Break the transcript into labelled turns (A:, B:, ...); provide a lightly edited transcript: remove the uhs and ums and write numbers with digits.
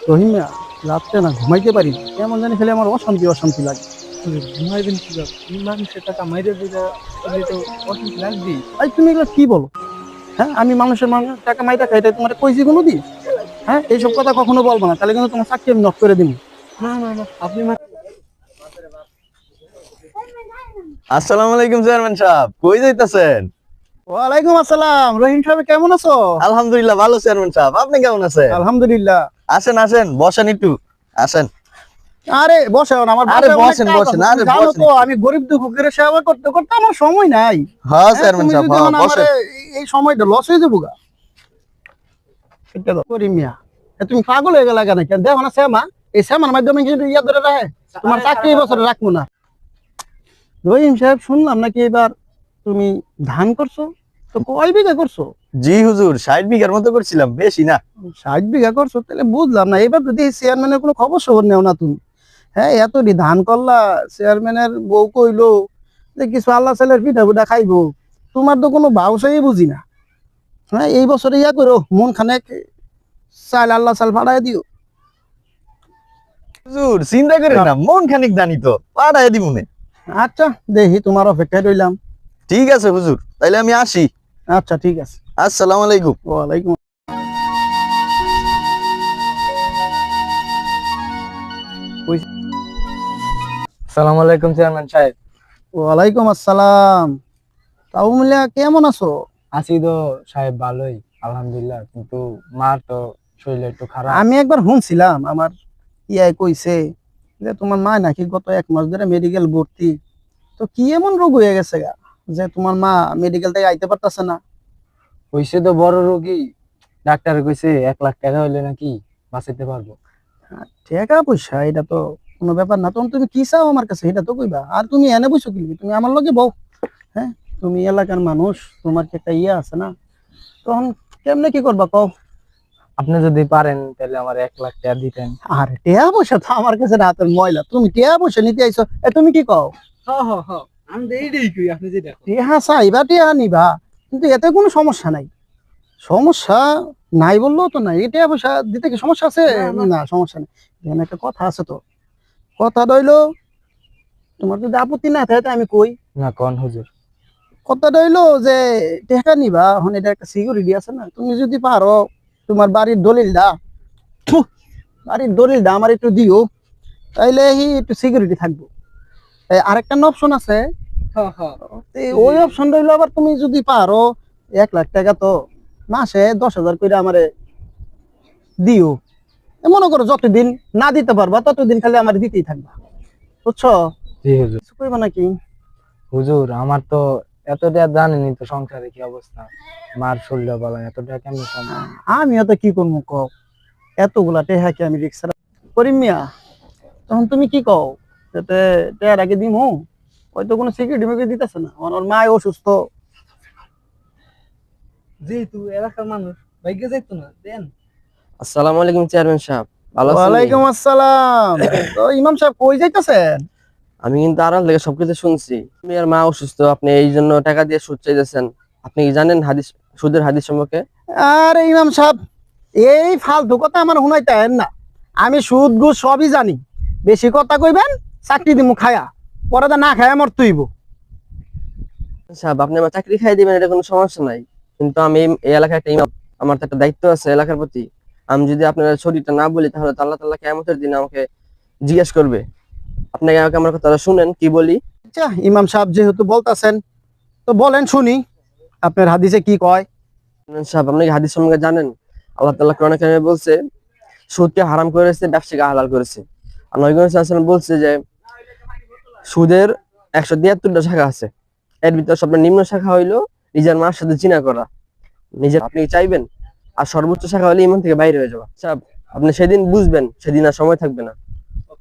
A: রহিম মিয়া, রাত্রে না ঘুমাইতে পারি না। কেমন জানি খেলে আমার অশান্তি অশান্তি লাগে।
B: ঘুমাইবেন কিভাবে? এই মানুষের টাকা মাইরে দিলে তো অসুখ লাগবেই।
A: ভাই তুমি এগুলো কি বলো? হ্যাঁ, আমি মানুষ টাকা মাইটা খাই, তাই তোমার কইছি কোনো দিন? হ্যাঁ, এইসব কথা কখনো বলবো না, তাহলে কিন্তু তোমার চাকরি আমি নষ্ট করে দিব।
B: না না না, আপনি
C: আসসালামু আলাইকুম চেয়ারম্যান সাহেব, কই যাইতাছেন?
A: ওয়ালাইকুম আসসালাম। রহিম সাহেব কেমন আছো?
C: আলহামদুলিল্লাহ ভালো চেয়ারম্যান সাহেব, আপনি কেমন আছেন?
A: আলহামদুলিল্লাহ।
C: আসেন আসেন, বসেন একটু, আসেন।
A: আরে বসো না, আমার
C: আরে
A: বাসায় অনেক
C: বসেন,
A: কাজ
C: বসেন,
A: আছে।
C: আরে
A: তুমি জানো
C: বসেন
A: তো
C: একটু।
A: আমি গরিব দুঃখীর সেবা করতে করতে আমার সময় নাই।
C: হ্যাঁ
A: হ্যাঁ,
C: চেয়ারম্যান
A: তুমি
C: সাহেব,
A: যদি
C: হ্যাঁ
A: মানে
C: বসেন।
A: এই সময়টা লস হয়ে যাবো গা। এটা দাও। করিম মিয়া, তুমি পাগল হয়ে গেলা কেন? কেন দেখো না শ্যামা, এই শ্যামার মাধ্যমে কিন্তু ইয়া ধরে রাখে, তোমার চাকরি এই বছরে রাখবো না। রহিম সাহেব, শুনলাম নাকি এবার তুমি ধান করছো, তো কয় বিঘা করছো?
C: জি হুজুর, 60 বিঘার মতো করছিলাম, বেশি না।
A: 60 বিঘা করছো? তাহলে বুঝলাম না, এবার যদি চেয়ারম্যানের কোনো খবর সবর নেও না তুমি। হ্যাঁ, এতটি ধান করলা, চেয়ারম্যানের বউ কইলো যে কিছু আল্লাহ ছেলের পিঠা পিঠা খাইবো, তোমার তো কোনো ভাবসাই বুঝি না। হ্যাঁ, এই বছরে ইয়া করো, মন খানেক চাল আল্লাহ চাল ফাড়াই দিও।
C: হুজুর চিন্তা করেন না, মন খানিক জানি তো পাঠায় দিমুনে।
A: আচ্ছা, দেখি তোমার অপেক্ষায় রইলাম।
C: ঠিক আছে হুজুর, তাইলে আমি আসি।
A: আচ্ছা ঠিক আছে।
C: আসসালামু আলাইকুম।
A: ওয়ালাইকুম।
B: আসসালামু আলাইকুম চেয়ারম্যান সাহেব।
A: ওয়ালাইকুম আসসালাম। তাও মিলিয়া কেমন আছো?
B: আছি তো সাহেব, ভালোই আলহামদুলিল্লাহ, কিন্তু মার তো শরীর একটু খারাপ।
A: আমি একবার শুনছিলাম, আমার ইয়াই কইছে যে তোমার মা নাকি গত 1 মাস ধরে মেডিকেল ভর্তি। তো কি এমন রোগ হয়ে গেছে গা যে তোমার মা মেডিকেল থেকে আইতে পারতেছে না?
B: হইছে তো বড় রোগী, ডাক্তার কইছে 1 লাখ টাকা হইলে নাকি বাঁচাইতে পারবো।
A: টাকা পয়সা এটা তো কোনো ব্যাপার না, তখন তুমি কি চাও আমার কাছে এটা তো কইবা। আর তুমি এনে বসো কি লিগি? তুমি আমার লগে বউ। হ্যাঁ, তুমি এলাকার মানুষ, তোমার কি একটা ইয়ে আছে না? তখন কেমনে কি করবা কও?
B: আপনি যদি পারেন তাহলে আমার 1 লাখ টাকা দিতেন।
A: আর টেয়া পয়সা তো আমার কাছে রাতের ময়লা, তুমি টেয়া পয়সা নিতে আইছো? তুমি কি কও?
B: আমি তো এইটাই কই, আপনি যেটা
A: টেহা চাইবা টেহা নিবা, কিন্তু এতে কোনো সমস্যা নাই। সমস্যা নাই বললেও তো নাই, টেয়া পয়সা দিতে কি সমস্যা আছে? না সমস্যা নেই। এখানে একটা কথা আছে তো, কথা রইলো, তোমার যদি আপত্তি না থাকে তাই আমি কই।
B: না কোন হুজুর।
A: কথা রইলো যে টেকা নিবা, এখন এটা একটা সিকিউরিটি আছে না, তুমি যদি পারো তোমার বাড়ির দলিলটা, থু, বাড়ির দলিলটা আমার একটু দিও, তাইলে একটু সিকিউরিটি থাকবো। আরেকটা অপশন আছে, ওই অপশন রইলো আবার, তুমি যদি পারো 1 লাখ টাকা তো মাসে 10,000 করে আমারে দিও। মনে করো যতদিন না দিতে পারবা ততদিন খালি আমার দিতেই থাকবা, বুঝছো?
B: জি হুজুর।
A: কিছু কইবা নাকি?
B: হুজুর আমার তো এতটা জানেনি তো সংসারে কি অবস্থা, মার শরীর বলা এতটা কেমন সম্ভব।
A: আমিও তো কি করবো কও, এতগুলা টেহা কি আমি রিক্সা করিম মিয়া? তখন তুমি কি কও, যাতে টেহার আগে দিমু? হয়তো কোনো সিকিউরিটি মিকিউরিটি দিতেছে না, ওর মা অসুস্থ।
B: যেহেতু এলাকার মানুষ ভাগ্যে যাইতো না দেন।
C: আসসালামু আলাইকুম চেয়ারম্যান সাহেব, ভালো আছেন?
A: ওয়ালাইকুম আসসালাম। তো ইমাম সাহেব কই যাইতেছেন?
C: আমি কিন্তু আড়াল থেকে সবকিছু শুনছি। আপনি আর মা অসুস্থ, আপনি এই জন্য টাকা দিয়ে সুদ চাইতেছেন। আপনি কি জানেন হাদিস, সুদের হাদিস সম্পর্কে?
A: আরে ইমাম সাহেব, এই ফালতু কথা আমার শুনাইতেন না। আমি সুদ ঘুষ সবই জানি। বেশি কথা কইবেন, চাকরি দিমু খায়া, পরে তো না খায়া মরতেইব।
C: সাহেব, আপনি আমার চাকরি খাই দিবেন, এটা কোনো সমস্যা নাই, কিন্তু আমি এই এলাকার একটা ইমাম, আমার তো একটা দায়িত্ব আছে এলাকার প্রতি। আমি যদি আপনার শরীরটা না বলি তাহলে তো আল্লাহ তাআলা কিয়ামতের দিন আমাকে জিজ্ঞেস করবে। আপনাকে আমাকে আমার কথাটা শুনেন কি বলি।
A: আচ্ছা ইমাম সাহেব যেহেতু বলতাছেন, তো বলেন শুনি, আপনার হাদিসে কি কয়?
C: সাহেব, আপনি কি হাদিস সম্পর্কে জানেন? আল্লাহ তাআলা কোরআনে কারিমে বলছে সুদকে হারাম করেছে, ব্যবসাকে হালাল করেছে। আর নবী করিম সাল্লাল্লাহু আলাইহি ওয়াসাল্লাম বলছে যে সুদের 173টা শাখা আছে, এর ভিতর সবচেয়ে নিম্ন শাখা হইলো নিজের মার সাথে জিনা করা। নিজের আপনি কি চাইবেন? আর সর্বোচ্চ শাখা হলে ইমান থেকে বাইরে হয়ে যাওয়া। সাহেব, আপনি সেদিন বুঝবেন, সেদিন আর সময় থাকবে না।